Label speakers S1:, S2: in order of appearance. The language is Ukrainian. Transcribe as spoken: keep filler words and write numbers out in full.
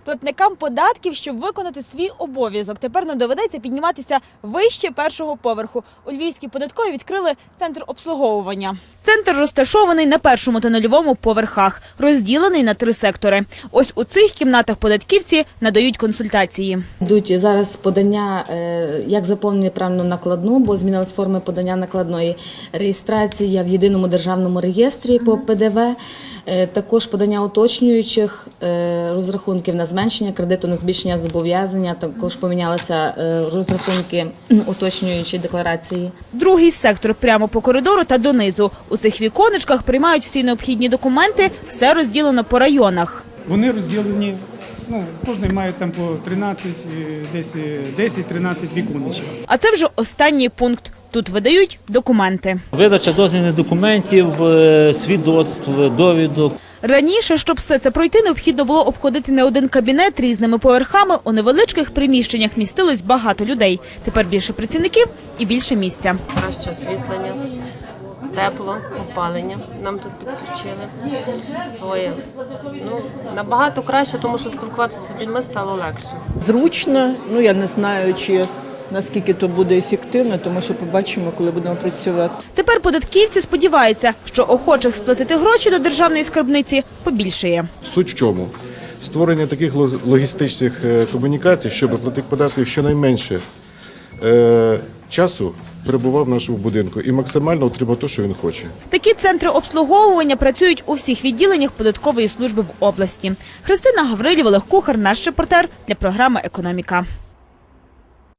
S1: Платникам податків, щоб виконати свій обов'язок, тепер не доведеться підніматися вище першого поверху. У Львівській податковій відкрили центр обслуговування. Центр розташований на першому та нульовому поверхах, розділений на три сектори. Ось у цих кімнатах податківці надають консультації.
S2: Йдуть зараз подання, як заповнити правильно накладну, бо змінилась форми подання накладної, реєстрація в єдиному державному реєстрі по Пе Де Ве, також подання уточнюючих розрахунків на зменшення кредиту, на збільшення зобов'язання, також помінялися розрахунки уточнюючої декларації.
S1: Другий сектор прямо по коридору та донизу. У цих віконечках приймають всі необхідні документи, все розділено по районах.
S3: Вони розділені, ну, кожен має там по тринадцять, десь десять-тринадцять віконечок.
S1: А це вже останній пункт. Тут видають документи.
S4: Видача дозвільних документів, свідоцтв, довідок.
S1: Раніше, щоб все це пройти, необхідно було обходити не один кабінет різними поверхами. У невеличких приміщеннях містилось багато людей. Тепер більше працівників і більше місця.
S5: Краще освітлення, тепло, опалення. Нам тут підключили своє. Ну, набагато краще, тому що спілкуватися з людьми стало легше.
S6: Зручно, ну я не знаю, чи наскільки то буде ефективно, тому що побачимо, коли будемо працювати.
S1: Тепер податківці сподіваються, що охочих сплатити гроші до державної скарбниці побільшає.
S7: Суть в чому? Створення таких логістичних комунікацій, щоб платник податків щонайменше е, часу перебував в нашому будинку і максимально отримав те, що він хоче.
S1: Такі центри обслуговування працюють у всіх відділеннях податкової служби в області. Христина Гаврилів, Олег Кухар, наш репортер для програми «Економіка».